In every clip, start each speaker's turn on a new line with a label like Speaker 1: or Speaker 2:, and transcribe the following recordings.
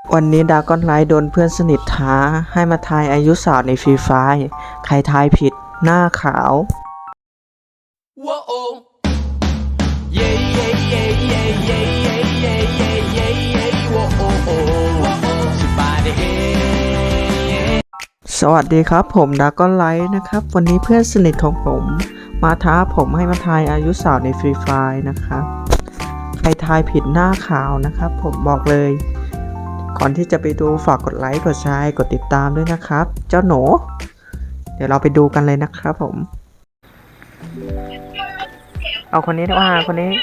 Speaker 1: วันนี้ดราก้อนไลท์โดนเพื่อนสนิทท้าให้มาทายอายุสาวในฟรีไฟร์ใครทายผิดหน้าขาว สวัสดีครับผมดราก้อนไลท์นะครับวันนี้เพื่อนสนิทของผมมาท้าผมให้มาทายอายุสาวในฟรีไฟร์นะครับใครทายผิดหน้าขาวนะครับผมบอกเลยก่อนที่จะไปดูฝากกดไลค์กดแชร์กดติดตามด้วยนะครับเจ้าหนูเดี๋ยวเราไปดูกันเลยนะครับผมเอาคนนี้ดีกว่าคนนี้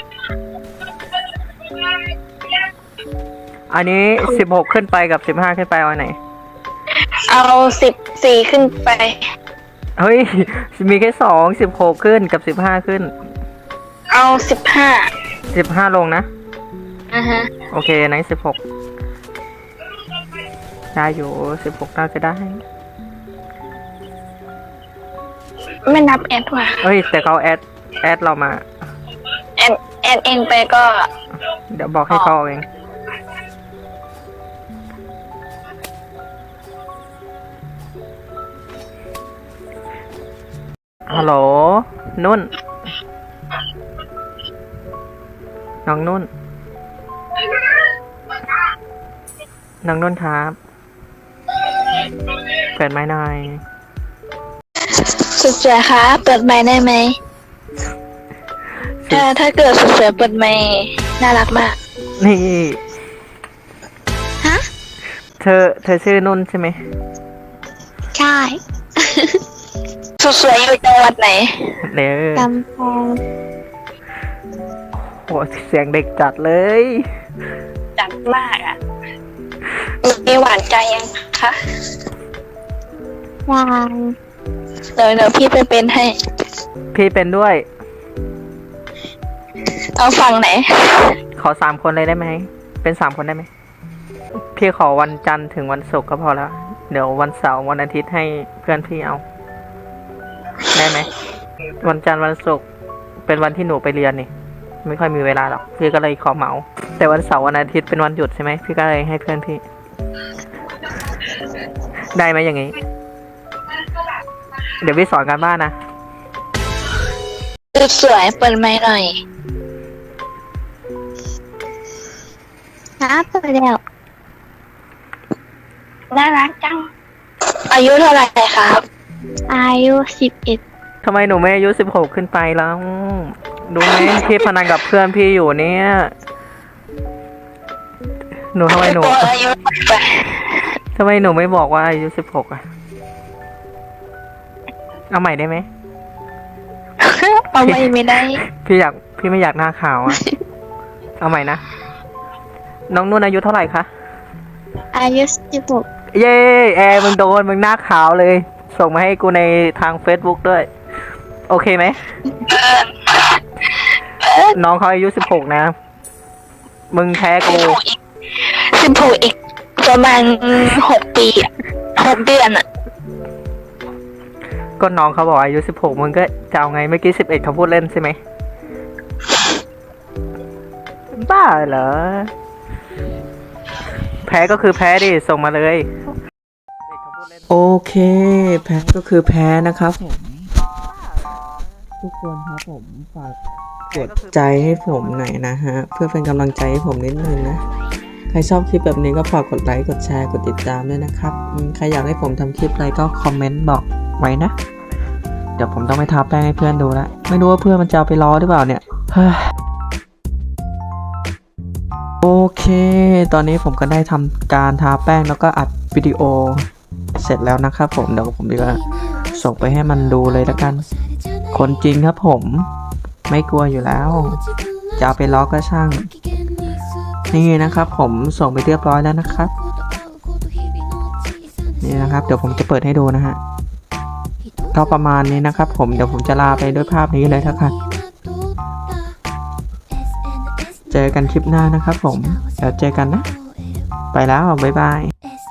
Speaker 1: อันนี้16ขึ้นไปกับ15ขึ้นไปเอาไหน
Speaker 2: เอา14ขึ้นไป
Speaker 1: เฮ้ยมีแค่16ขึ้นกับ15ขึ้น
Speaker 2: เอา15
Speaker 1: ลงนะ
Speaker 2: ฮะ
Speaker 1: โอเคไหน16ได้อยู่16น่าจะได้
Speaker 2: ไม่นับแอดว่ะ
Speaker 1: เฮ้ยแต่เขาแอดเรามา
Speaker 2: แอดเองไปก็
Speaker 1: เดี๋ยวบอกให้เขาเองฮัลโหลนุ่นน้องนุ่นครับเปิดไมค์หน่อย
Speaker 2: สุดสวยค่ะเปิดไมค์ได้ไหมถ้าเกิดสุดสวยเปิดไมค์น่ารักมาก
Speaker 1: นี่
Speaker 2: ฮะ
Speaker 1: เธอชื่อนุ่นใช่ไหม
Speaker 2: ใช่สุดสวยอยู่จังหวัดไหน
Speaker 1: เนี่ย
Speaker 2: กำแพง
Speaker 1: โหเสียงเด็กจัดเลย
Speaker 2: จัดมากอ่ะมีหวานใจยังคะยังเดี๋ยวพี่ไปเป็นให้
Speaker 1: พี่เป็นด้วย
Speaker 2: เอาฝั่งไหน
Speaker 1: ขอ3คนเลยได้ไหมเป็น3คนได้ไหมพี่ขอวันจันทร์ถึงวันศุกร์ก็พอแล้วเดี๋ยววันเสาร์วันอาทิตย์ให้เพื่อนพี่เอาได้ไหมวันจันทร์วันศุกร์เป็นวันที่หนูไปเรียนนี่ไม่ค่อยมีเวลาหรอกพี่ก็เลยขอเหมาแต่วันเสาร์วันอาทิตย์เป็นวันหยุดใช่ไหมพี่ก็เลยให้เพื่อนพี่ได้ไหมอย่างงี้เดี๋ยวพี่สอนการบ้านนะ
Speaker 2: สวยเปิดไมค์หน่อยครับเปิดแล้วน่ารักจังอายุเท่าไหร่ครับอายุ11
Speaker 1: ทำไมหนูไม่อายุ16ขึ้นไปแล้วดูไหมพี่พนันกับเพื่อนพี่อยู่เนี่ยหนูทำไมหนูไม่บอกว่าอายุ16อ่ะเอาใหม่ได้ไหม
Speaker 2: เอาไม่ได้
Speaker 1: พี่ไม่อยากหน้าขาวอ่ะเอาใหม่นะน้องนุ่นอายุเท่าไหร่คะ
Speaker 2: อายุ16
Speaker 1: เย้มึงโดนมึงหน้าขาวเลยส่งมาให้กูในทาง Facebook ด้วยโอเคไหมน้องเขาอายุ16นะมึงแพ้กู
Speaker 2: 16อีกประมาณ6 ปี6 เดือนอ่ะ
Speaker 1: ก็น้องเขาบอกอายุ16มึงก็จะเอาไงเมื่อกี้11เขาพูดเล่นใช่ไหมบ้าเหรอแพ้ก็คือแพ้ดิส่งมาเลยโอเคแพ้ก็คือแพ้นะครับผมทุกคนครับผมฝากกดใจให้ผมหน่อยนะฮะเพื่อเป็นกำลังใจให้ผมนิดนึงนะใครชอบคลิปแบบนี้ก็ฝากกดไลค์กดแชร์กดติดตามด้วยนะครับใครอยากให้ผมทำคลิปอะไรก็คอมเมนต์บอกไว้นะเดี๋ยวผมต้องไปทาแป้งให้เพื่อนดูแล้วไม่รู้ว่าเพื่อนมันจะเอาไปล้อหรือเปล่าเนี่ยโอเคตอนนี้ผมก็ได้ทำการทาแป้งแล้วก็อัดวิดีโอเสร็จแล้วนะครับผมเดี๋ยวผมจะส่งไปให้มันดูเลยละกันคนจริงครับผมไม่กลัวอยู่แล้วจะเอาไปล้อก็ช่างนี่นะครับผมส่งไปเรียบร้อยแล้วนะครับนี่นะครับเดี๋ยวผมจะเปิดให้ดูนะฮะก็ประมาณนี้นะครับผมเดี๋ยวผมจะลาไปด้วยภาพนี้เลยนะครับเจอกันคลิปหน้านะครับผมเดี๋ยวเจอกันนะไปแล้วบ๊ายบาย